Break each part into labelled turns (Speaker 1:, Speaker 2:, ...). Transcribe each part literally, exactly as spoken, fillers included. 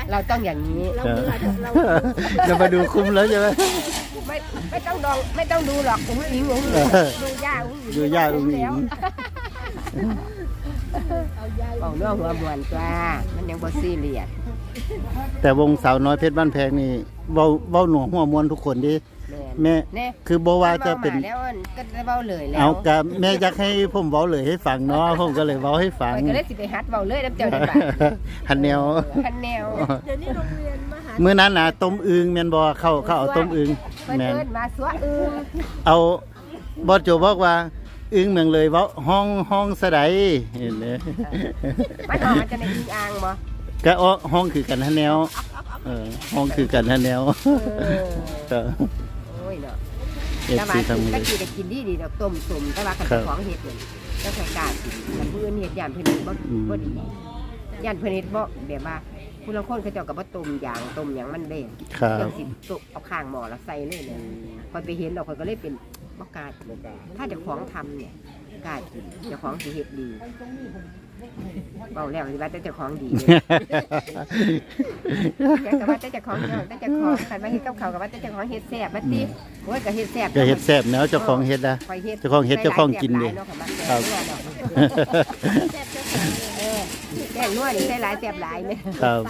Speaker 1: เราต้องอย่างนี้เรา
Speaker 2: เราจะมาดูคุ้มแล้วใช่ไหม
Speaker 1: ไม่ไม่ต้องดองไม่ต้องดูหรอกอุ้งอิงอุ้งดูย่าอุ้งอิง
Speaker 2: ดูย่าอุ้งอิง
Speaker 1: เอาเรื่องหัวบวนจ้ามันยังบ่ซีเรียส
Speaker 2: แต่วงสาวน้อยเพชรบ้านแพงนี่เว้าเว้าหนัวหัวมวนทุกคนดิแม่คือบ่ว่าจะเป็น
Speaker 1: แล้วก็เว้าเลยแล้ว
Speaker 2: เอากับแม่อยากให้ผมเว้าเลยให้ฟังเนาะผมก็เลยเว้าให้ฟัง
Speaker 1: ก็เลยสิไปฮัดเว้าเลยน้ำเจ้าได้บ่
Speaker 2: หันแนว
Speaker 1: หันแนว
Speaker 3: เดี๋ยวนี้โรงเรียนมหา
Speaker 2: มื้อนั้นน่ะต้มอึ่งแม่นบ่เข้าเข้าเอาต้มอึ่ง
Speaker 1: แม่นมาสัวอึ่ง
Speaker 2: เอาบ่โจบอกว่าอึ้งเมืองเลยเว้าห้องห้องสะใดเห็นเด้
Speaker 1: มันออกมันจะในอึ่งอ่างบ่
Speaker 2: ก็ห้องคือกันหันแนวเออห้องคือกันหันแนวเออ
Speaker 1: โอ้ยเนาะแต่ว่าก็กินได้กินดีดีดอกต้มสุ่มแต่ว่าคันของเฮ็ดนี่ก็ใส่กาดคันผู้อื่นเฮ็ดย่านเพิ่นบ่บ่ดีย่านเพิ่นเฮ็ดบ่แบบว่าผู้ลางคนเขาเจ้าก็บ่ต้มอย่างต้มหยังมันเด้จังสิตุเอาข้างหม้อแล้วใส่เลยเลยพอไปเห็นแล้วข้อยก็เลยเป็นบ่กล้าถ้าเจ้าของทำเนี่ยกล้ากินเจ้าของสิเฮ็ดดีเบาแล้วสิว่าแต่เจ้าของดีแกก็ว่าแต่เจ้าของแต่เจ้าของคันว่าเฮ็ดกับข้าวก็ว่าแต่เจ้าของเฮ็ดแซ่บบัดติโอ้ยก็เฮ็ดแซ่บ
Speaker 2: ก็เฮ็ดแซ่บแนวเจ้าของเฮ็ดนะเจ้าของเฮ็ดเจ้าของกินดิครับ
Speaker 1: เออแกงนัวนี่ใส่หลายแซ่บหลายเลย
Speaker 2: ครับ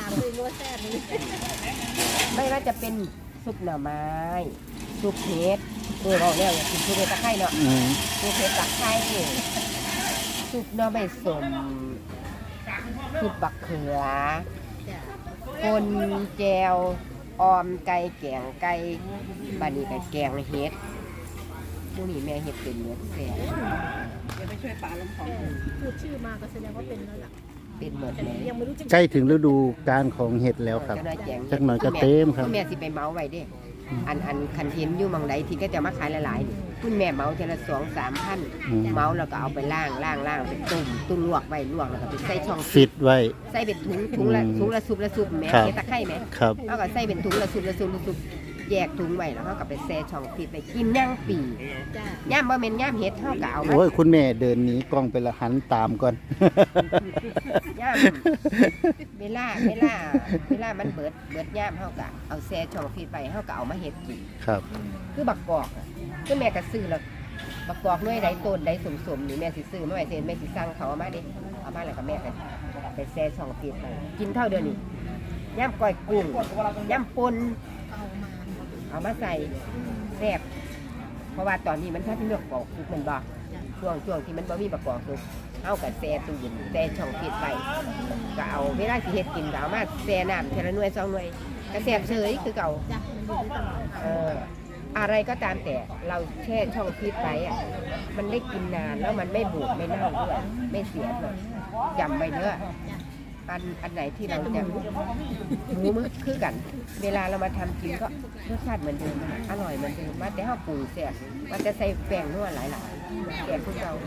Speaker 1: ไม่ว่าจะเป็นซุปหน่อไม้ซุปเห็ดเออเบาแล้วอยากกินซุปเห็ดตะไคร้เนาะซุปเห็ดตะไคร้ซุปหน่อไม้ส้มซุปบักเขือคนแจวออมไก่แกงไก่บานี่ไก่แกงเห็ดผู้นี้แม่เห็ดเป็นเนื้อแซ่บ
Speaker 3: เดี๋ยวไปช่วยป่าลำของพูดชื่อมาก็แสดงว่าเป็นแล้วล่ะ
Speaker 1: เป็นหมดเลย
Speaker 2: ใกล้ถึงฤดูการของเห็ดแล้วครับจักหน่อยก็เต็มครับ
Speaker 1: แม่สิไปเมาไว้ดิอันอันคันเห็นอยู่มังใดที่ก็จะมาขายหลายๆคุณแม่เมาทีละสองสามพันเมาแล้วก็เอาไปล่างล่างล่างไปตุ่มตุ่มลวกไว้ลวกแล้วก็ไปใส่ช่อง
Speaker 2: ฟิตไว้
Speaker 1: ใส่เป็นถุงถุงละถุงละซุปละซุปแม่เห็ดตะไคร้แม่แล้วก็ใส่เป็นถุงละซุปละซุปละซุปแยกถุงไว้แล้วเขาก็ไปแช่ช่องฟิตไปกินย่างปีย่ามบ่แม่นย่ามเห็ดเฮาก็เอามา
Speaker 2: โอ้ยคุณแม่เดินหนีกล้องไปละหันตามก่อน
Speaker 1: ย่ามเวลาเวลาเวลามันเบิดเบิดย่ามเฮาก็เอาแช่ช่องฟิตไปเฮาก็เอามาเฮ็ดกิน
Speaker 2: ครับ
Speaker 1: คือบักกอกคือแม่ก็ซื้อแล้วบักกอกหน่วยใดต้นใดสมๆนี่แม่สิซื้อมาไว้เซ็นแม่สิสั่งเขาเอามาดิเอามาแล้วก็แม่ก็ไปแช่ช่องฟิตไปกินเท่าเดียวนี้ย่ามก้อยกุ้งย่ามป่นเอามาใส่แซ่บเพราะว่าตอนนี้มันถ้าที่เลือกปอกคือมันบ่ช่วงช่วงที่มันบ่มีประกอบคือเอากับแซ่ตู้เย็นแซ่ช่องฟิตไว้ก็เอาเวลาสิเฮ็ดกินก็เอามาแซ่น้ำเทละหน่วยสองหน่วยก็แซ่บเฉยคือเก่าเอออะไรก็ตามแต่เราแช่ช่องฟิตไว้อ่ะมันได้กินนานแล้วมันไม่บูดไม่เน่าด้วยไม่เสียเลยจำไว้เด้ออันอันไหนที่เราจะหมูมือคือกันเวลาเรามาทำกินก็รสชาติเหมือนเดิมอร่อยเหมือนเดิมมาแต่ข้าวปรุงแซ่บมันจะใส่แป้งนัวหลายๆแซ่บพวกเรา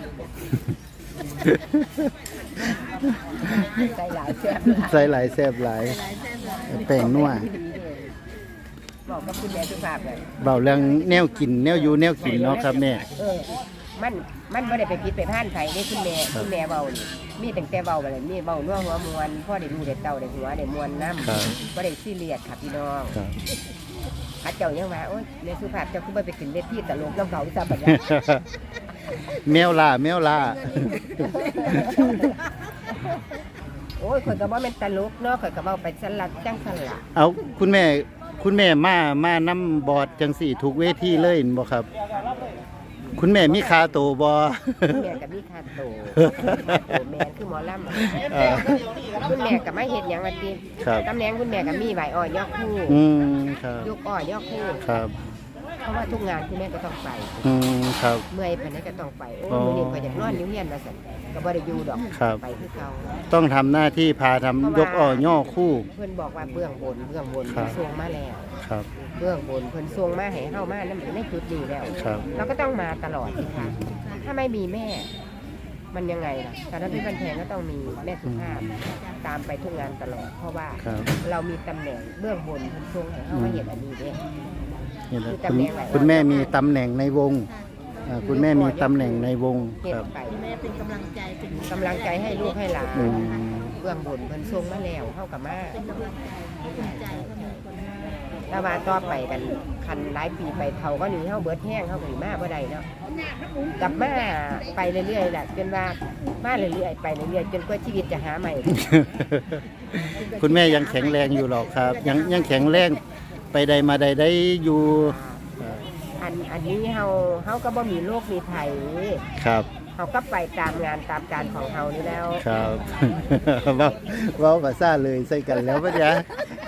Speaker 1: ใส่หลายแซ่บ
Speaker 2: ใส่หลายแซ่บหลายแป้งนัว
Speaker 1: บอกกับคุณแม่สุภาพเลย
Speaker 2: เบาเรื่องแนวกินแนวอยู่แนวกินเนาะครับแม่
Speaker 1: มันมันไม่ได้ไปพิษไปพ่านไผ่ได้คุณแม่คุณแม่เบานี่มีแต่แต่เบาอะไรมีเบานัวหัวมวนพ่อได้ดูได้เต่าได้หัวได้มวนน้ำก็ได้ซีเรียสค่ะพี่น้องข้าเจ้ายังว่าโอ๊ยในสุภาพเจ้าคุณไปขึ้นเวทีตลกน้ำเขาซะบัดนี้
Speaker 2: แมวล่าแมวล่า
Speaker 1: โอ้ยคนก็บอกเป็นตลกเนาะคนก็บอกไปสลัดจังสลัด
Speaker 2: เอาคุณแม่คุณแม่มามาน้ำบอดจังสี่ทุกเวทีเลยบ่ครับคุณแม่มีคาโตบ่
Speaker 1: แม่กับมีคาโตแม่คือหมอลำคุณแม่กับไม่เห็นอย่างวันทีตำแหน่งคุณแม่กับมีใบอ้อยยอกคู่ยกอ้อยยอกคู่เพราะว่าทุกงานคุณแม่ก็ต้องไปเมื่อยไปไหนก็ต้องไปโอ้มือนี้ก็อยากนอนนิ้วเฮียนมาสั่นก็บ่ได้อยู่ดอกไปคือเขา
Speaker 2: ต้องทำหน้าที่พาทำยกอ้อยย่อคู่
Speaker 1: เพื่อนบอกว่าเบื้องบนเบื้องบนทรงมาแล้ว
Speaker 2: ครับ
Speaker 1: เบื้องบนเพิ่นทรงมาให้เฮามานั่นในจุดนี้แล้วเราก็ต้องมาตลอดสิคะถ้าไม่มีแม่มันยังไงล่ะตอนนั้นพี่บันแพงก็ต้องมีแม่สุภาพตามไปทุกงานตลอดเพราะว่าเรามีตำแหน่งเบื้องบนเพิ่นทรงให้เฮามาเห็นอันนี้เด้
Speaker 2: คุณแม่มีตำแหน่งในวงคุณแม่มีตำแหน่งในวง
Speaker 1: ครับ
Speaker 3: แม่เป็นกำลังใจเป็น
Speaker 1: กำลังใจให้ลูกให้หลานบื้องบนเพิ่นส่งมาแล้วเฮากับมา
Speaker 3: เป็นกำลังใจภูมิใจก็มีคน
Speaker 1: แต่ว่าต่อไปกันคันหลายปีไปเท่าก็นี่เฮาเบิดแห้งเฮาก็สิมาบ่ได้เนาะกลับมาไปเรื่อยๆแหละจนว่ามาเรื่อยๆไปเรื่อยๆจนกว่าชีวิตจะหาใหม่
Speaker 2: คุณแม่ยังแข็งแรงอยู่หรอกครับ ยังยังแข็งแรงไปใดมาใดได้อยู่
Speaker 1: อันอันนี้เฮาเฮาก็บ่มีโรคมีภัย
Speaker 2: ครับ
Speaker 1: เฮาก็ไปตามงานตามการของเฮานี่แล้ว
Speaker 2: ครับ เว้าเว้าภาษาเลยใส่กันแล้วปะจ๊ะ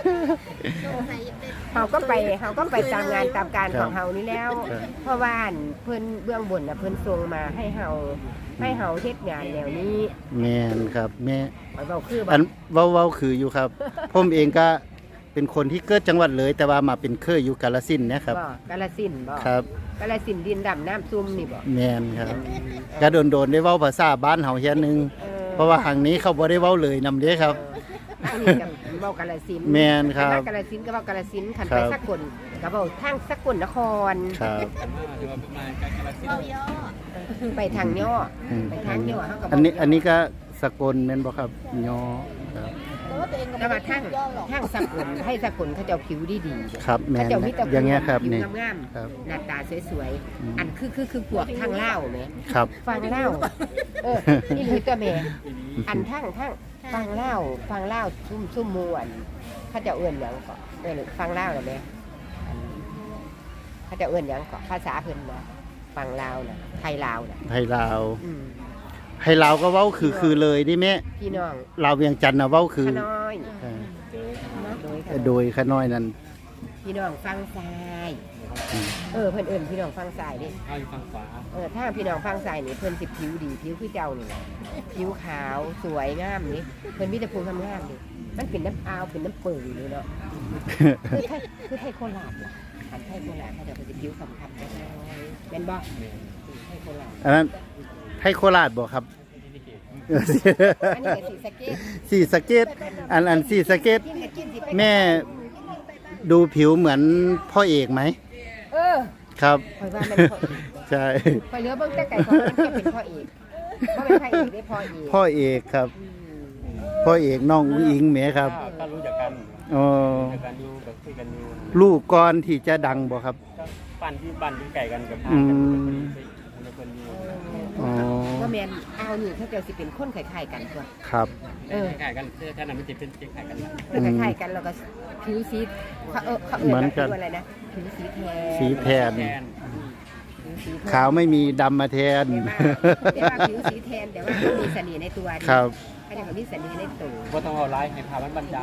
Speaker 1: เฮาก็ไปเฮาก็ไปตามงานตามการ
Speaker 2: ครับ
Speaker 1: ของเฮานี่แล้ว
Speaker 2: ครับ
Speaker 1: เพราะว่าอันเพิ่นเบื้องบนน่ะเพิ่นส่งมาให้เฮาให้เฮาเฮ็ดงานแนวนี้
Speaker 2: แม่นครับแม่
Speaker 1: ข้อยเว้าคือบ่
Speaker 2: อันเว้าเว้าคืออยู่ครับ ผมเองก็เป็นคนที่เกิดจังหวัดเลย แต่ว่ามาเป็นเคยอยู่กาฬสินธุ์นะครับ
Speaker 1: บ่กาฬสินธุ์บ่
Speaker 2: ครับ
Speaker 1: กาฬสินธุ์ดินดำน้ำซุ่มนี่บ่
Speaker 2: แม่นครับก็โดนๆได้เว้าภาษาบ้านเฮาเฮียนึง
Speaker 1: ออ
Speaker 2: เพราะว่าทางนี้เขาบ่ได้เว้าเลยนำเด้ครับ
Speaker 1: เอออันนี้กับเว้ากาฬสินธุ์
Speaker 2: แม่นครับ
Speaker 1: คันว่ากาฬสินธุ์ก็เว้ากาฬสินธุ์คัน
Speaker 2: ครั
Speaker 1: ไป
Speaker 2: บ
Speaker 1: สกลก็เว้าทางสกลนคร
Speaker 2: ครับ
Speaker 3: เราย่อ
Speaker 1: ไปทางย่อ
Speaker 2: อืม
Speaker 1: ไปทางย่อเฮาก็
Speaker 2: อันนี้อันนี้ก็สกลแม่นบ่ครับยอครับ
Speaker 3: แต่ว่าตัวเองก็
Speaker 1: แต่
Speaker 3: ไม่
Speaker 1: ว่า
Speaker 3: ได้
Speaker 1: ทาง
Speaker 3: ย่อหรอก
Speaker 1: ทางสกลให้สกลเขาเจ้าผิวดีๆ
Speaker 2: ครับแม่
Speaker 1: เขา
Speaker 2: น
Speaker 1: เจ้ามีแต่
Speaker 2: อย่างเงี้ยครับ
Speaker 1: ผิว
Speaker 2: นี่
Speaker 1: งาม
Speaker 2: ครับ
Speaker 1: ๆหน้าตาสวย
Speaker 2: อืม
Speaker 1: ๆอันคือคือคือพวกทางเล่าวแหม
Speaker 2: ครับ
Speaker 1: ฟังเล่าวเออนี่หรือตัวแม่อันทางทางฟังเล่าวฟังเล่าวซุ่มซุ่มมวนเขาเจะเอื้อนหยังก็เอื้อนฟังเล่าวน่ะแม่อันเขาเจะเอื้อนหยังก็ภาษาเพิ่นนะฟังลาวน่ะไทยลาวน่ะ
Speaker 2: ให้ลาว
Speaker 1: อืม
Speaker 2: ให้ลาวก็เว้าคือคือเลยนี่แม่
Speaker 1: พี่น้อง
Speaker 2: ลาวเวียงจันทน์น่ะเว้าคือ
Speaker 1: ขน้อย
Speaker 2: เออ
Speaker 1: โดยขน้อย
Speaker 2: โดยขน้อยนั้น
Speaker 1: พี่น้องฟังซ้าย
Speaker 2: อืม
Speaker 1: เออเพิ่นเอิ้นพี่น้องฟังซ้ายดิ
Speaker 4: เอาอยู่ฝั่งขวา
Speaker 1: เออถ้าพี่น้องฟังซ้ายนี่เพิ่นสิผิวดีผิวคือเจ้านี่แหละผิวขาวสวยงามนี่เพิ่นมีแต่ภูมิงามๆนี่มันเป็นน้ำอาวเป็นน้ำเปิงนี่เนาะคือไทยคือไทยโคราชล่ะอันไทยโคราชเขาจะเป็นผิวคำๆได้แม่นบ่ไทยโคราช
Speaker 2: อันนั้นให้โคราชบ่ครับ
Speaker 1: อันนี้ก็สีสะเก็ต
Speaker 2: สีสะเกตอันอันสีสะเกต
Speaker 1: กินก็กินสิไป
Speaker 2: แม่ดูผิวเหมือนพ่อเอกไหม
Speaker 1: เออ
Speaker 2: ครับ
Speaker 1: ข่อยว่ามันพ่อ
Speaker 2: ใช่
Speaker 1: ข่อยเหลือเบิ่งแต่ไก่ของมันแค่เป็นพ่อเอกบ่เป็นพระเอกได้พ่อเอก
Speaker 2: พ่อเอกครับ
Speaker 1: อืม
Speaker 2: พ่อเอกน้องอุ้งอิงแหมครับ
Speaker 4: ถ้าถ้ารู้จักกัน
Speaker 2: อ๋อ
Speaker 4: รู้จักกันอยู่แบบคุยกันอยู่
Speaker 2: ลูกก่อนที่จะดังบ่ครับ
Speaker 4: ก็ปั่นที่ปั่นที่ไก่กันกับ
Speaker 2: อื
Speaker 4: ทางกัน
Speaker 2: ม
Speaker 4: คนคนอยู่
Speaker 2: อ๋อ
Speaker 1: ว่าแม่นเอานี่เขาเจะสิเป็นคนคล้ายๆกันตัว
Speaker 2: ครับ
Speaker 1: เออ
Speaker 4: คล้ายๆกันเสื้อท่านั้นมันจะเป็นคล้ายๆกัน
Speaker 1: เออคล้ายๆกันแล้วก็ผิวสีเขาเออเขาเอ่ยว่าผิวอะไรนะผิวสีแทน
Speaker 2: สีแทน
Speaker 4: แทน
Speaker 1: ผิวสีแทน
Speaker 2: ขาวไม่มีดำมาแทน
Speaker 1: แต่ว่าแต่ว่าผิวสีแทนแต่ว่าเขามีเสน่ห์ในตัวดี
Speaker 2: ครับ
Speaker 1: เขาจะมีเสน่ห์ในตัว
Speaker 4: ว่าต้องเอาไลฟ์ให้พามันบรรยาย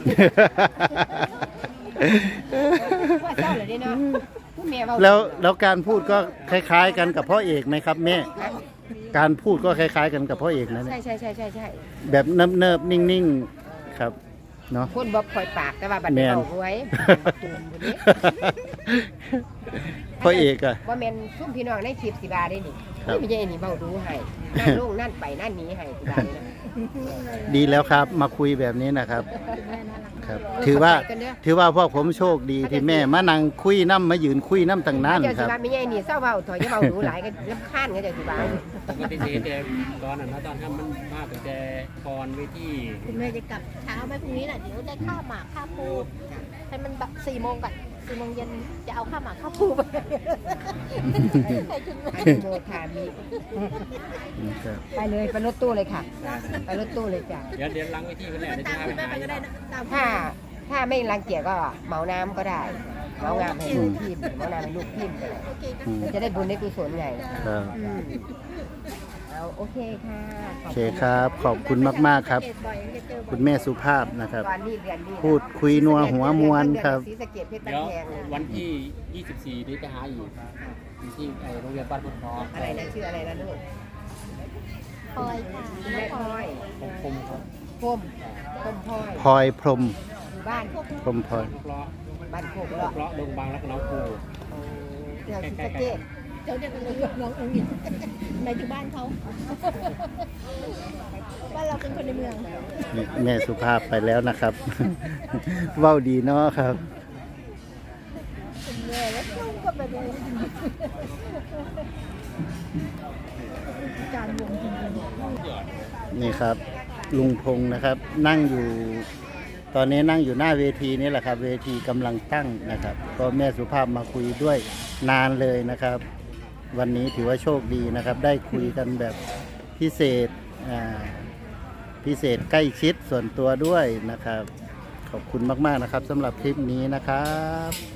Speaker 1: ว่าเศร้าเลยเด้เนาะผู้แม่เว้า
Speaker 2: แล้วแล้วการพูดก็คล้ายๆกันกับพ่อเอกไหมครับแม่ การพูดก็คล้ายๆกันกับพ่อเอกนะ
Speaker 1: ใช่
Speaker 2: เนี่ย
Speaker 1: ใช่ใช่ใช่ใช่
Speaker 2: แบบเนิบๆนิ่งๆครับเนาะ
Speaker 1: คนบ่คอยปากแต่ว่าบัด
Speaker 2: แม่
Speaker 1: นี้
Speaker 2: น
Speaker 1: เอาหวยตูมคนนี้
Speaker 2: พ่อเอกอะ
Speaker 1: ว่าแม่นซุ่มพี่น้องในคลิปสิบาได้นี่
Speaker 2: ครับ
Speaker 1: นี่ไม่ใช่นี่เว้าดูให้นั่นลงนั่นไปนั่นหนี้ให้สิบาเลยนะ
Speaker 2: ดีแล้วครับ มาคุยแบบนี้นะครับ
Speaker 3: แม่น่ารัก
Speaker 2: ครับ ถือว่า
Speaker 1: เข้ใจกันเด้อ
Speaker 2: ถือว่าพวกผมโชคดีที่แม่มานั่งคุยน้ำมายืนคุยน้ำตั้งนาน
Speaker 1: เจ้า
Speaker 2: ค
Speaker 1: สิ
Speaker 2: รับ
Speaker 1: ว่าไม่ใช่นี่เศร้าเว้าถอยจะเว้าดูหลายก็รำคาญก็เจ้าสิว่า
Speaker 4: ปกติจะเห็นแต่ตอนนั้นนะตอนทำมันมากแต่ก่อนเวที
Speaker 3: คุณแม่จะกลับเช้าไหมพรุ่งนี้น่ะเดี๋ยวได้ข้าวหมากข้าวปูให้มันแบบสี่โมงก่อนสี่โมงเย็นจะเอาข้าวหมากข้าวปูไปให้คุณแม่
Speaker 1: อนุโมทามิไปเลยไปรถตู้เลยค่ะ ไปรถตู้เลยจ้ะ
Speaker 4: เดี๋ยวเดี๋ยวล้างเวทีกันแหละเดี๋ยว
Speaker 3: ตา
Speaker 4: จะ
Speaker 3: ม
Speaker 4: พา
Speaker 3: คุณ
Speaker 4: ไป
Speaker 3: แม่
Speaker 4: หา
Speaker 3: ไปก็ได้นะตาม
Speaker 1: ถ้าถ้าไม่รังเกียจก็เหมาน้ำก็ได้เหมางามให้ลูกทีมเหมาน้ำให้ลูกทีมไปเลย
Speaker 3: โอเคนะ
Speaker 2: อืม
Speaker 1: จะได้บุญได้กุศลไง
Speaker 2: ครับ
Speaker 1: อืมเอาโอเคค่ะ
Speaker 2: โอเคครับ ขอบคุณมากๆครับ
Speaker 3: บ่อยจะเจอบ่อย
Speaker 2: คุณแม่สุภาพนะครับ
Speaker 1: ตอนนี้เรียนนี่
Speaker 2: พูดคุยนัวหัวมวลครับ
Speaker 1: ศรีสะเกษเพชร
Speaker 4: เดี๋ยว
Speaker 1: แพง
Speaker 4: วันที่ยี่สิบสี่นี้จะหาอีกที่ไอ้โรงเรียนบ้านพุทธทอง
Speaker 1: อะไรนะชื่ออะไรนะลูก
Speaker 3: พลอยค่ะ
Speaker 1: แม่พลอย
Speaker 4: ผมคมครับ
Speaker 1: พมพมพลอย
Speaker 2: พลอยพรหม
Speaker 1: อยู่บ้าน
Speaker 2: พรหมพลอย
Speaker 4: ลูกล้อ
Speaker 1: บ้านโคก
Speaker 4: ลู
Speaker 1: เลาะ
Speaker 4: กล้อดงบางรักน้องครู
Speaker 1: เดี๋ยวศรีสะเกษ
Speaker 3: เดี๋ยวเดี๋ยวน้องน้ององค์หญิงในที่บ้านเขาบ้านเราเป็นคนในเมือง
Speaker 2: นี่แม่สุภาพไปแล้วนะครับ เว้าดีเนาะครับ
Speaker 3: แม่แล้วลูกก็ไปดูการวงจริงๆ
Speaker 2: นี่ครับลุงพงษ์นะครับ นั่งอยู่ ตอนนี้นั่งอยู่หน้าเวทีนี่แหละครับ เวทีกำลังตั้งนะครับ ก็แม่สุภาพมาคุยด้วยนานเลยนะครับ วันนี้ถือว่าโชคดีนะครับ ได้คุยกันแบบพิเศษอ่าพิเศษใกล้ชิดส่วนตัวด้วยนะครับ ขอบคุณมากๆนะครับสำหรับคลิปนี้นะครับ